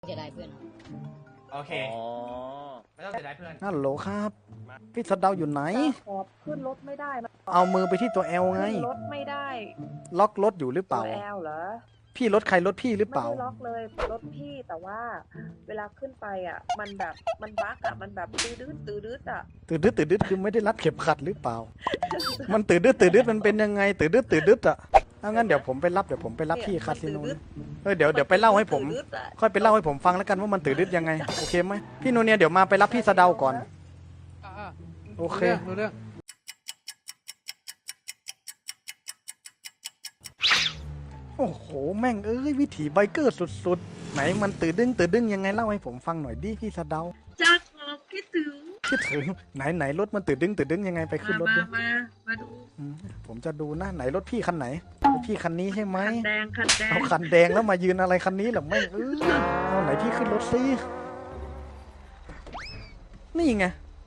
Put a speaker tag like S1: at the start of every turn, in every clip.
S1: จะได้เพื่อน
S2: โอเค
S3: อ๋อ
S2: ไม่ต้องเสียดายเพื่อน
S4: ฮัลโหลครับ พี่สะเดาอยู่ไหน
S5: ขอบขึ้นรถไม่ได้มัน
S4: เอามือไปที่ตัวแอลไง
S5: ขึ้นรถไม่ได้
S4: ล็อกรถอยู่หรือเป
S5: ตัว
S4: ล่า
S5: แอลเหรอ
S4: พี่รถใครรถพี่หรือเป
S5: ไม่
S4: ล่า
S5: ได้ล็อกเลยรถพี่แต่ว่า เวลาขึ้นไปอ่ะ มันแบบมันบั๊กอ่ะมันแบบตื้อดื้ออ่ะ
S4: ตื่นดึดคือไม่ได้รัดเข็มขัดหรือเปล่า มันตื่นดึดมันเป็นยังไงตื่นดึดอ่ะถ้างั้นเดี๋ยวผมไปรับพี่คาสิโนเลยเดี๋ยวไปเล่าให้ผม
S5: ตื้อดื้ออะ
S4: ค่อยไปเล่าให้ผมฟังแล้วกันว่ามันตื่นดึดยังไงโอเคไหมพี่โนเนียเดี๋ยวมาไปรับพี่สะเดาก่อนโอเค
S3: รู้เรื่อง
S4: โอ้โหแม่งเอ้ยวิถีไบเกอร์สุดๆไหนมันตื่นดึงยังไงเล่าให้ผมฟังหน่อยดิพี่สะเดา
S5: จากของคิดถึง
S4: คิดถึงไหนรถมันตื่นดึงยังไงไปขึ้นรถดิ
S5: มาดู
S4: อืมผมจะดูนะไหนรถพี่คันไหนรถพี่คันนี้ใช่ไหม
S5: คันแดง
S4: เอาคันแดงแล้วมายืนอะไรคันนี้เหรอแม่งเอาไหนพี่ขึ้นรถซินี่ไง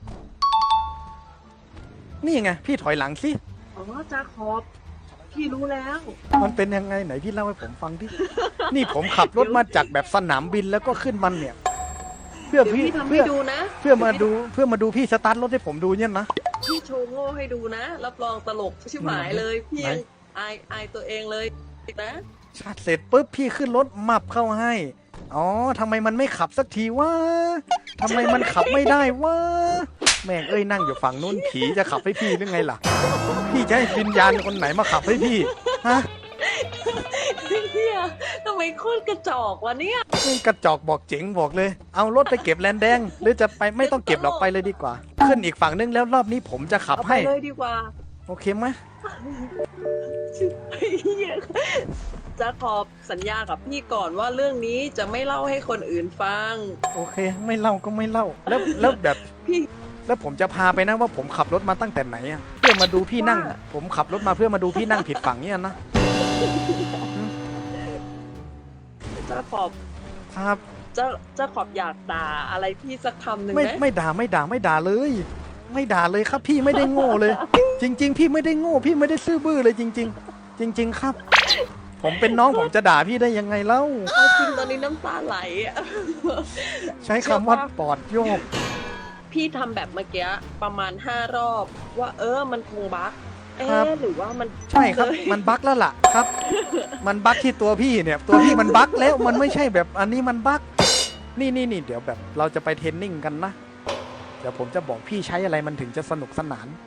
S4: พี่ถอยหลังสิ
S5: อ๋อจาขอบพี่รู้แล้ว
S4: มันเป็นยังไงไหนพี่เล่าให้ผมฟังดินี่ผมขับรถมาจากแบบสนามบินแล้วก็ขึ้นมันเนี่ย เพื่อ
S5: เดี๋ยว
S4: พี่
S5: พี่ทำให้
S4: เพื่อ
S5: ดูนะ
S4: เพื่อมาดูพี่สตาร์ทรถให้ผมดูเนี่ยนะ
S5: พี่โชว์โง่ให้ดูนะ รับรองตลกชิบหายเลยพี่
S4: ไหน
S5: ยังอายตัวเองเลยนะ
S4: ชาร์จเสร็จปุ๊บพี่ขึ้นรถมับเข้าให้อ๋อทำไมมันไม่ขับสักทีวะทำไมมันขับไม่ได้วะแม่งเอ้ยนั่งอยู่ฝั่งนู้นผีจะขับให้พี่หรือไงล่ะ พี่จะให้วิญญาณคนไหนมาขับให้พี่ฮะ
S5: เฮียทำไมโคตรกระจอกวะเนี่ย
S4: นี่กระจอกบอกเจ๋งบอกเลย เอารถไปเก็บแลนแดงหรือจะไปไม่ต้องเก็บหรอกไปเลยดีกว่า ขึ้นอีกฝั่งนึงแล้วรอบนี้ผมจะขับ
S5: เอาไป
S4: ให้
S5: เลยดีกว่า
S4: โอเคไหม
S5: เฮียจะขอบสัญญากับพี่ก่อนว่าเรื่องนี้จะไม่เล่าให้คนอื่นฟัง
S4: โอเค ไม่เล่าก็ไม่เล่าแล้วแบบ
S5: พี่
S4: แล้วผมจะพาไปนะว่าผมขับรถมาตั้งแต่ไหนอะเพื่อมาดูพี่นั่ง
S5: ว่า
S4: ผมขับรถมาเพื่อมาดูพี่นั่งผิดฝั่งเนี่ยนะ
S5: จะขอบ
S4: ครับ
S5: จะขอบอยากด่าอะไรพี่สักคำหนึ่ง
S4: ไม่
S5: ไหม
S4: ไม่ด่าเลย ไม่ด่าเลยครับ พี่ไม่ได้โง่เลย จริง ๆ พี่ไม่ได้โง่พี่ไม่ได้ซื่อบื้อเลยจริง ๆ จริง ๆ ครับ ผมเป็นน้องผมจะด่าพี่ได้ยังไงเล่า
S5: เอาจริงตอนนี้น้ำตาไหลอะ
S4: ใช้คำว่าปอดโยก
S5: พี่ทำแบบเมื่อกี้ประมาณ5 รอบ ว่ามันคงบั๊ก
S4: ครับ
S5: หรือว่ามัน
S4: ใช่ครับ
S5: เลย
S4: มันบั๊กแล้วล่ะครับ มันบั๊กที่ตัวพี่เนี่ย ตัวพี่มันบั๊กแล้วมันไม่ใช่แบบอันนี้มันบั๊กนี่เดี๋ยวแบบเราจะไปเทรนนิ่งกันนะ เดี๋ยวผมจะบอกพี่ใช้อะไรมันถึงจะสนุกสนาน